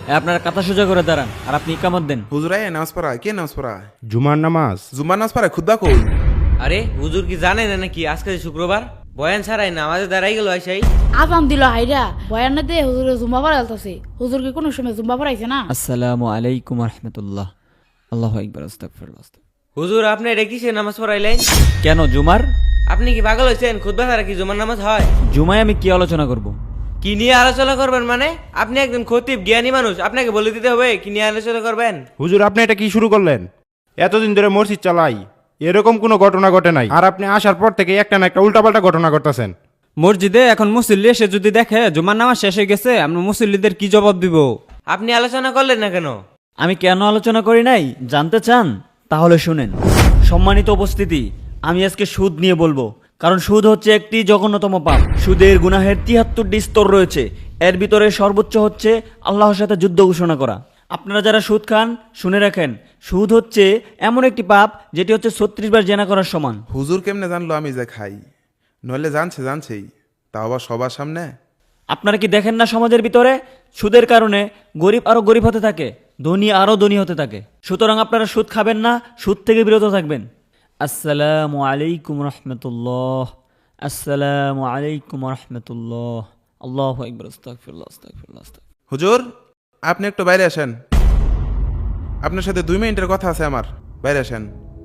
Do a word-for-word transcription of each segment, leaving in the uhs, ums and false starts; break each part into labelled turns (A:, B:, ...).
A: আপনারা কাতা সোজা করে দাঁড়ান আর আপনি ইকামত দেন।
B: হুজুর আয় নামাজ পড়া, কে নামাজ পড়া?
C: জুমার নামাজ।
B: জুম্মার নামাজ পড়া খুদ্া কই?
D: আরে হুজুর কি জানেন না নাকি আজকে যে শুক্রবার? বয়ান ছাড়াই নামাজে দাঁড়াই গেল আইসাই।
E: আজান দিল হাইরা বয়ান না দে হুজুরে জুম্বা পড়াইতেছে। হুজুর কি কোনো সময় জুম্বা পড়াইছে না?
A: আসসালামু আলাইকুম রাহমাতুল্লাহ। আল্লাহু আকবার, আস্তাগফিরুল্লাহ।
D: হুজুর আপনি এটা কিসের নামাজ পড়াইলেন?
A: কেন জুমার?
D: আপনি কি পাগল হয়েছেন? খুতবা ছাড়া কি জুমার নামাজ হয়?
A: জুমায় আমি কি আলোচনা করব?
D: কি নিয়ে আলোচনা করবেন মানে? আপনি একজন খতিব জ্ঞানী মানুষ, আপনাকে বলে দিতে হবে কি নিয়ে আলোচনা করবেন।
C: হুজুর আপনি এটা কি শুরু করলেন? এতদিন ধরে মসজিদ চালাই, এরকম কোনো ঘটনা ঘটে নাই, আর আপনি আসার পর থেকে একটা না একটা উল্টাপাল্টা ঘটনা ঘটতেছেন।
F: মসজিদে এখন মুসল্লি এসে যদি দেখে জুমার নামাজ শেষ হয়ে গেছে, আমরা মুসল্লিদের কি জবাব দিব?
D: আপনি আলোচনা করলেন না কেন?
A: আমি কেন আলোচনা করি নাই জানতে চান? তাহলে শুনেন। সম্মানিত উপস্থিতি, আমি আজকে সুদ নিয়ে বলবো, কারণ সুদ হচ্ছে একটি জঘন্যতম পাপ। সুদের গুনাহের তিয়াত্তরটি স্তর রয়েছে, এর ভিতরে সর্বোচ্চ হচ্ছে আল্লাহর সাথে যুদ্ধ ঘোষণা করা। আপনারা যারা সুদ খান শুনে রাখেন, সুদ হচ্ছে এমন একটি পাপ যেটি হচ্ছে ছত্রিশ বার জেনা করার সমান।
B: হুজুর কেমনে জানলো আমি যে খাই? নইলে জানছে জানছেই, তাও আবার সবার সামনে।
A: আপনারা কি দেখেন না সমাজের ভিতরে সুদের কারণে গরিব আরো গরিব হতে থাকে, ধনী আরো ধনী হতে থাকে। সুতরাং আপনারা সুদ খাবেন না, সুদ থেকে বিরত থাকবেন। আসসালামু আলাইকুম রহমতুল্লাহ। আসসালামু আলাইকুম রহমতুল্লাহ। আল্লাহু আকবার, আস্তাগফিরুল্লাহ, আস্তাগফিরুল্লাহ, আস্তাগফিরুল্লাহ।
B: হুজুর আপনি একটু বাইরে আসেন, আপনার সাথে দুই মিনিটের কথা আছে আমার, বাইরে আসেন।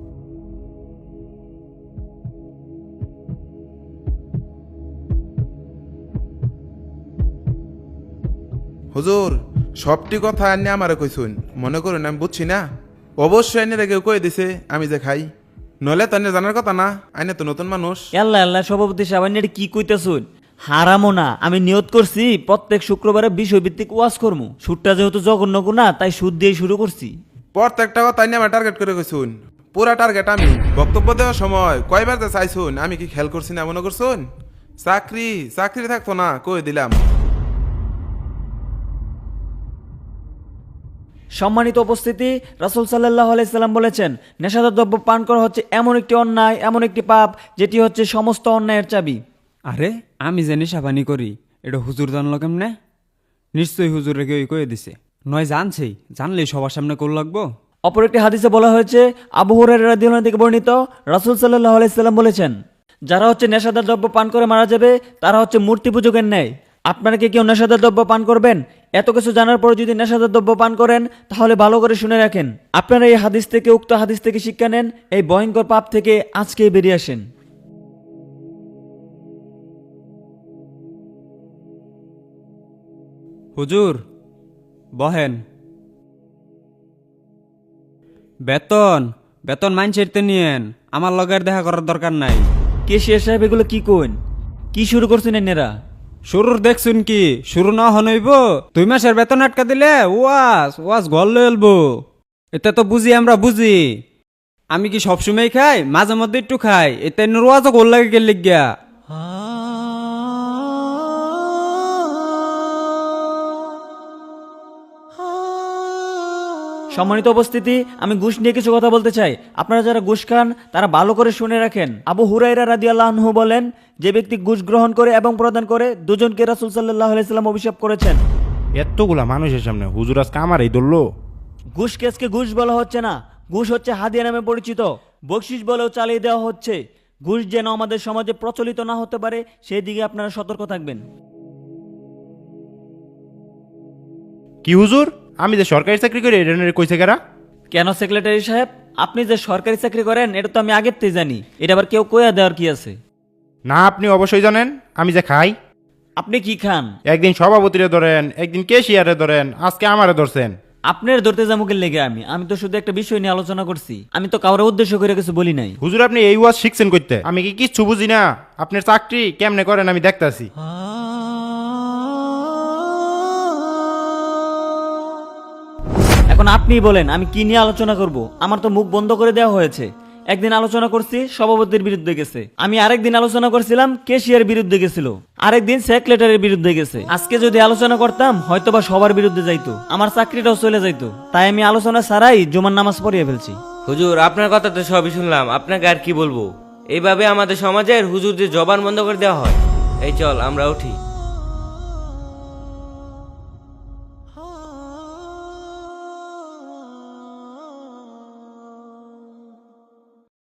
B: হুজুর সবটি কথা আনি আমারে কইছুন, মনে করুন আমি বুঝছি না? অবশ্যই আইনের কেউ কয়ে দিছে আমি যে খাই, নইলে তো জানার কথা না, আইনে তো নতুন মানুষ।
A: আল্লাহ আল্লাহ, সভাপতি সাহেব এটা কি কইতেছুন? হারামো না, আমি নিয়ত করছি প্রত্যেক শুক্রবারে বিষয়ভিত্তিক ওয়াজ করবো। সুদটা যেহেতু জঘন্য গুনাহ, তাই সুদ দিয়ে শুরু করছি।
B: প্রত্যেকটা কথা আইনে আমার টার্গেট করে কইছুন, পুরা টার্গেট আমি। বক্তব্য দেওয়ার সময় কয়বার যে চাইছুন, আমি কি খেয়াল করছি না মনে করছুন? চাকরি চাকরি থাকতো না, কই দিলাম।
A: সম্মানিত উপস্থিতি, রাসূল সাল্লাল্লাহু আলাইহি সাল্লাম বলেছেন, নেশাদার দ্রব্য পান করা হচ্ছে এমন একটি অন্যায়, এমন একটি পাপ যেটি হচ্ছে সমস্ত অন্যায়ের চাবি।
F: আরে আমি যে নেশাপানি করি এটা হুজুর জানলো কেমনে? নিশ্চয়ই হুজুর রেগে কয়ে দিছে, নয় জানছেই, জানলেই সবার সামনে কোল লাগবো।
A: অপর একটি হাদিসে বলা হয়েছে, আবু হুরায়রা রাদিয়াল্লাহু আনহু থেকে বর্ণিত, রাসূল সাল্লাল্লাহু আলাইহি সাল্লাম বলেছেন, যারা হচ্ছে নেশাদার দ্রব্য পান করে মারা যাবে তারা হচ্ছে মূর্তি পূজকের ন্যায়। আপনারা কি কেউ নেশাদার দ্রব্য পান করবেন? এত কিছু জানার পর যদি নেশাদার দ্রব্য পান করেন তাহলে ভালো করে শুনে রাখেন, আপনারা এই হাদিস থেকে, উক্ত হাদিস থেকে শিক্ষা নেন, এই ভয়ঙ্কর পাপ থেকে আজকেই বেরিয়ে আসেন।
F: হুজুর বহেন। বেতন বেতন মাইনছের তে নিয়েন, আমার লগের দেখা করার দরকার নাই।
A: কেশিয়া সাহেব এগুলো কি কোন? কি শুরু করছেন এনারা?
F: শুরুর দেখছুন কি? শুরু না হনইব, দুই মাসের বেতন আটকা দিলে ওয়াজ ওয়াজ ঘর লইলবো। এতে তো বুঝি, আমরা বুঝি। আমি কি সবসময় খাই? মাঝে মধ্যে একটু খাই, এতে ওয়াজও গোল লাগে গেল গিয়া।
A: সম্মানিত উপস্থিতি, আমি ঘুষ নিয়ে কিছু কথা বলতে চাই। আপনারা যারা ঘুষ খান তারা ভালো করে শুনে রাখেন। আবু হুরায়রা রাদিয়াল্লাহু আনহু বলেন, যে ব্যক্তি ঘুষ গ্রহণ করে এবং প্রদান করে, দুজনকে রাসূল সাল্লাল্লাহু আলাইহি সাল্লাম অভিশাপ করেছেন।
C: এতগুলা মানুষের সামনে হুজুর আজকে আমার এই ধরলো।
A: ঘুষ কেসকে ঘুষ বলা হচ্ছে না, ঘুষ হচ্ছে হাদিয়া নামে পরিচিত, বকশিশ বলেও চালিয়ে দেওয়া হচ্ছে। ঘুষ যেন আমাদের সমাজে প্রচলিত না হতে পারে সেই দিকে আপনারা সতর্ক থাকবেন।
C: কি হুজুর, আমি যে সরকারি চাকরি করি এটা নিয়ে কইছে কারা?
A: কেন সেক্রেটারি সাহেব, আপনি যে সরকারি চাকরি করেন এটা তো আমি আগের থেকে জানি, এটা আবার কেউ কইয়া দেওয়ার কি আছে?
C: না, আপনি অবশ্যই জানেন আমি যে খাই।
A: আপনি কি খান?
C: একদিন সভাপতিরে ধরেন, একদিন কেশিয়ারে ধরেন, আজকে আমারে ধরছেন।
A: আপনার ধরতে জামুকের লেগে আমি আমি তো শুধু একটা বিষয় নিয়ে আলোচনা করছি, আমি তো কারোর উদ্দেশ্য করে কিছু বলি নাই।
C: হুজুর আপনি এই ওয়াজ শিখছেন করতে, আমি কি কিচ্ছু বুঝি না? আপনার চাকরি কেমনে করেন আমি দেখতাছি।
A: এখন আপনি বলেন আমি কি নিয়ে আলোচনা করব? আমার তো মুখ বন্ধ করে দেওয়া হয়েছে। একদিন আলোচনা করছি সভাপতির বিরুদ্ধে গেছে, আমি আরেকদিন আলোচনা করছিলাম কেশিয়ার বিরুদ্ধে গেছিল, আরেকদিন সেক্রেটারির বিরুদ্ধে গেছে। আজকে যদি আলোচনা করতাম হয়তোবা সবার বিরুদ্ধে যাইতো, আমার চাকরিটাও চলে যাইতো। তাই আমি আলোচনা ছাড়াই জুমার নামাজ পড়িয়ে ফেলছি।
D: হুজুর আপনার কথা তো সবই শুনলাম, আপনাকে আর কি বলবো। এইভাবে আমাদের সমাজের হুজুরদের জবান বন্ধ করে দেওয়া হয়। এই চল আমরা উঠি।